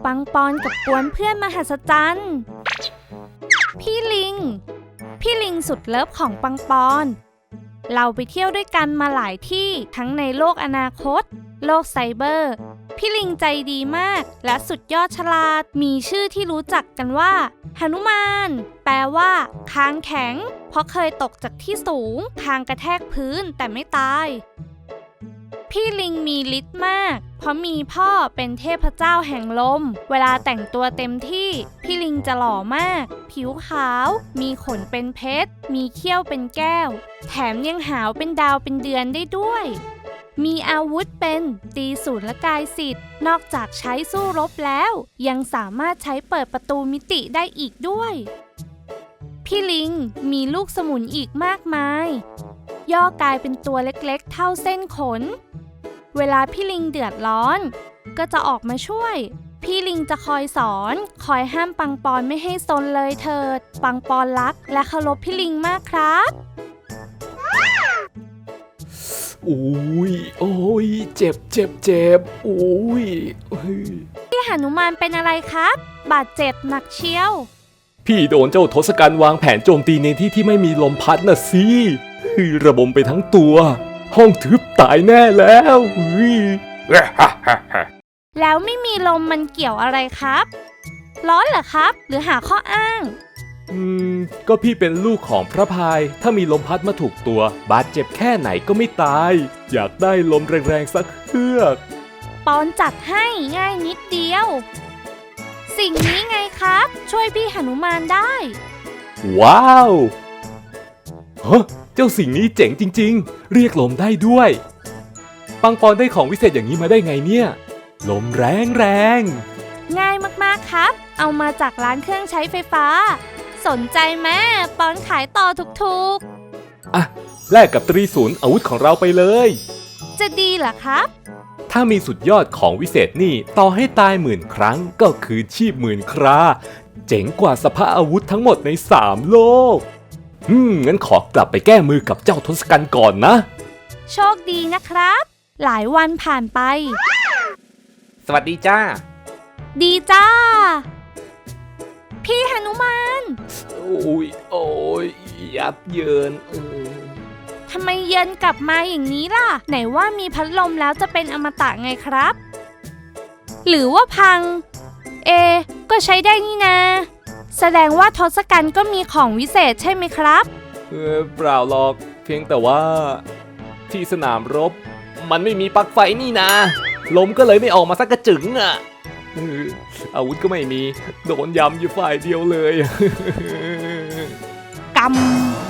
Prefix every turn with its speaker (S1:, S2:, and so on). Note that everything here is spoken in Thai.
S1: ปังปอนกับกวนเพื่อนมหัศจรรย์พี่ลิงสุดเลิฟของปังปอนเราไปเที่ยวด้วยกันมาหลายที่ทั้งในโลกอนาคตโลกไซเบอร์พี่ลิงใจดีมากและสุดยอดฉลาดมีชื่อที่รู้จักกันว่าหนุมานแปลว่าคางแข็งเพราะเคยตกจากที่สูงคางกระแทกพื้นแต่ไม่ตายพี่ลิงมีฤทธิ์มากเพราะมีพ่อเป็นเทพเจ้าแห่งลมเวลาแต่งตัวเต็มที่พี่ลิงจะหล่อมากผิวขาวมีขนเป็นเพชรมีเขี้ยวเป็นแก้วแถมยังหาวเป็นดาวเป็นเดือนได้ด้วยมีอาวุธเป็นตีสูรและกายสิทธิ์นอกจากใช้สู้รบแล้วยังสามารถใช้เปิดประตูมิติได้อีกด้วยพี่ลิงมีลูกสมุนอีกมากมายย่อกายเป็นตัวเล็กๆเท่าเส้นขนเวลาพี่ลิงเดือดร้อนก็จะออกมาช่วยพี่ลิงจะคอยสอนคอยห้ามปังปอนไม่ให้ซนเลยเถิดปังปอนรักและเคารพพี่ลิงมากครับ
S2: โอ้ยเจ็บโอ้ย
S1: พี่หนุมานเป็นอะไรครับบาดเจ็บหนักเชียว
S2: พี่โดนเจ้าทศกัณฐ์วางแผนโจมตีในที่ที่ไม่มีลมพัดน่ะสิระบมไปทั้งตัวห้องทึบตายแน่แล้ว
S1: แล้วไม่มีลมมันเกี่ยวอะไรครับร้อนเหรอครับหรือหาข้ออ้าง
S2: ก็พี่เป็นลูกของพระพายถ้ามีลมพัดมาถูกตัวบาดเจ็บแค่ไหนก็ไม่ตายอยากได้ลมแรงๆสักเฮือก
S1: ปอนจัดให้ง่ายนิดเดียวสิ่งนี้ไงครับช่วยพี่หนุมานได้
S2: ว้าวฮะเจ้าสิ่งนี้เจ๋งจริงๆเรียกลมได้ด้วยปังปอนได้ของวิเศษอย่างนี้มาได้ไงเนี่ยลมแรง
S1: ง่ายมากๆครับเอามาจากร้านเครื่องใช้ไฟฟ้าสนใจไหมปอนขายต่อถูก
S2: ๆอ่ะแลกกับตรีศูนย์อาวุธของเราไปเลย
S1: จะดีเหรอครับ
S2: ถ้ามีสุดยอดของวิเศษนี่ต่อให้ตาย10,000 ครั้งก็คือชีพ10,000 คราเจ๋งกว่าสภาอาวุธทั้งหมดใน3โลกงั้นขอกลับไปแก้มือกับเจ้าทศกัณฐ์ก่อนนะ
S1: โชคดีนะครับหลายวันผ่านไป
S2: สวัสดีจ้า
S1: ดีจ้าพี่หนุมาน
S2: โอ้ยยับเยิน
S1: ทำไมเยินกลับมาอย่างนี้ล่ะไหนว่ามีพัดลมแล้วจะเป็นอมตะไงครับหรือว่าพังก็ใช้ได้นี่นาแสดงว่าทศกัณฐ์ก็มีของวิเศษใช่ไหมครับ
S2: เปล่าหรอกเพียงแต่ว่าที่สนามรบมันไม่มีปลั๊กไฟนี่นะลมก็เลยไม่ออกมาสักกระจึงอ่ะอาวุธก็ไม่มีโดนยำอยู่ฝ่ายเดียวเลย
S1: กำ